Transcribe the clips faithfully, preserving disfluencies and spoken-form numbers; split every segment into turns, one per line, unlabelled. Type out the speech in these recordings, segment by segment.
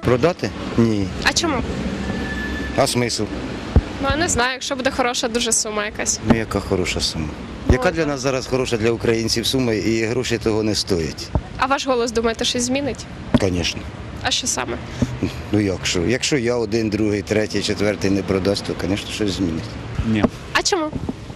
Продати? Ні.
А чому?
А смисл?
Ну, я не знаю, якщо буде хороша дуже сума якась.
Ну яка хороша сума? Яка для нас зараз хороша для українців сума і гроші того не стоять?
А ваш голос, думаєте, щось змінить?
Звісно.
А що саме?
Ну як що? Якщо я один, другий, третій, четвертий не продасть, то, звісно, щось змінить.
Нет,
А чому?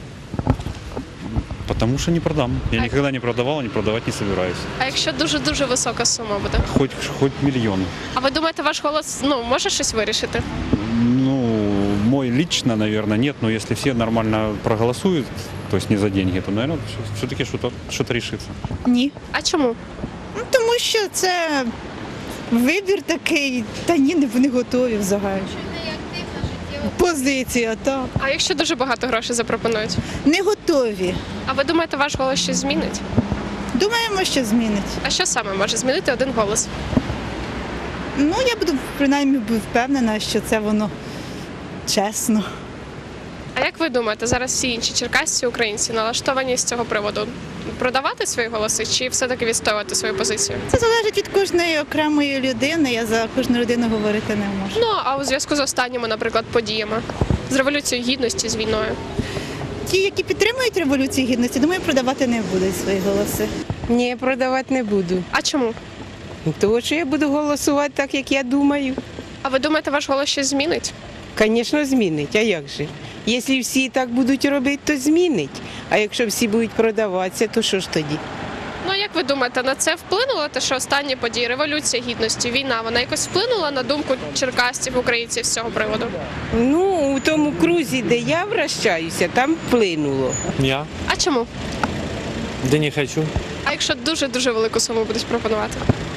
потому что не продам. Я
А-
никогда не продавал, и не продавать не собираюсь.
А якщо дуже-дуже висока сума буде?
Хоть, хоть миллион.
А ви думаєте, ваш голос ну, може щось вирішити?
Ну, мой лично, наверное, нет, но если все нормально проголосуют, то есть не за деньги, то, наверное, все-таки что-то что решится.
Ні.
А чому?
Ну, тому що це вибір такий, та ні, не- вони готові взагалі. Позиція, так.
А якщо дуже багато грошей запропонують?
Не готові.
А ви думаєте, ваш голос щось змінить?
Думаємо, що змінить.
А що саме може змінити один голос?
Ну, я буду принаймні впевнена, що це воно чесно.
А як ви думаєте, зараз всі інші черкасці українці налаштовані з цього приводу продавати свої голоси чи все-таки відстоювати свою позицію?
Це залежить від кожної окремої людини, я за кожну людину говорити не можу.
Ну а у зв'язку з останніми, наприклад, подіями з революцією гідності, з війною.
Ті, які підтримують Революцію Гідності, думаю, продавати не будуть свої голоси.
Ні, продавати не буду.
А чому?
Тому що я буду голосувати так, як я думаю.
А ви думаєте, ваш голос щось змінить?
Звісно, змінить. А як же? Якщо всі так будуть робити, то змінить. А якщо всі будуть продаватися, то що ж тоді?
Ну як ви думаєте, на це вплинуло те, що останні події, революція гідності, війна, вона якось вплинула на думку черкасців, українців з цього приводу?
Ну, у тому крузі, де я вращаюся, там вплинуло.
Я?
А чому?
Да не хочу.
А якщо дуже-дуже велику суму будуть пропонувати?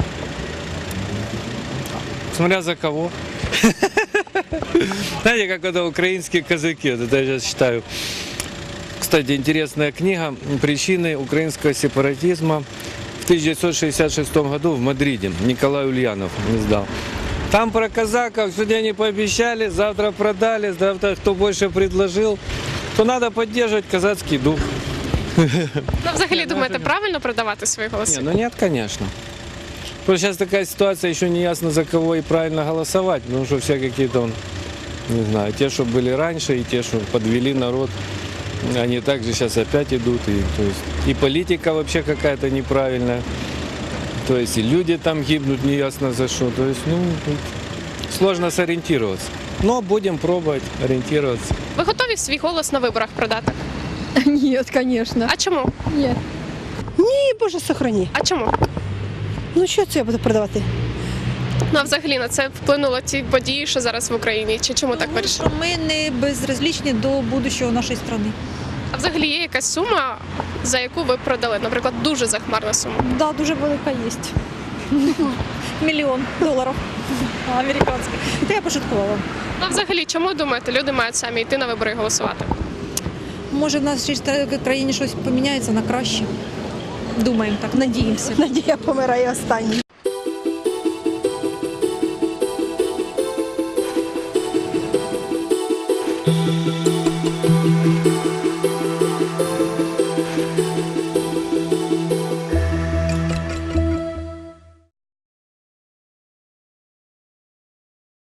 Смотря за кого. Знаете, как это украинские казаки, вот это я сейчас читаю. Кстати, интересная книга «Причины украинского сепаратизма» в тысяча девятьсот шестьдесят шестом году в Мадриде. Николай Ульянов издал. Там про казаков сегодня они пообещали, завтра продали, завтра кто больше предложил, то надо поддерживать казацкий дух.
Ну, взагалі, думаєте, правильно продавати свої голоси?
Не, ну нет, конечно. Просто сейчас такая ситуация, еще не ясно, за кого и правильно голосовать, потому что все какие-то, он, не знаю, те, что были раньше, и те, что подвели народ, они также сейчас опять идут. И, то есть, и политика вообще какая-то неправильная. То есть и люди там гибнут, неясно за что. То есть, ну, тут сложно сориентироваться. Но будем пробовать ориентироваться.
Ви готові свій голос на виборах продати?
Нет, конечно.
А чому?
Нет.
Ні, Боже, сохрані.
А чому?
Ну що це я буду продавати?
Ну, а взагалі на це вплинуло ті події, що зараз в Україні? Чи чому так
Тому
вирішили?
що ми не безразлічні до будущого нашої країни.
А взагалі є якась сума, за яку ви продали? Наприклад, дуже захмарна сума.
Да, дуже велика є. Мільйон доларів американських. Це я пошуткувала.
Ну, а взагалі, чому думаєте, люди мають самі йти на вибори і голосувати?
Може, в нашій країні щось поміняється на краще. Думаємо так, надіємося.
Надія помирає останній.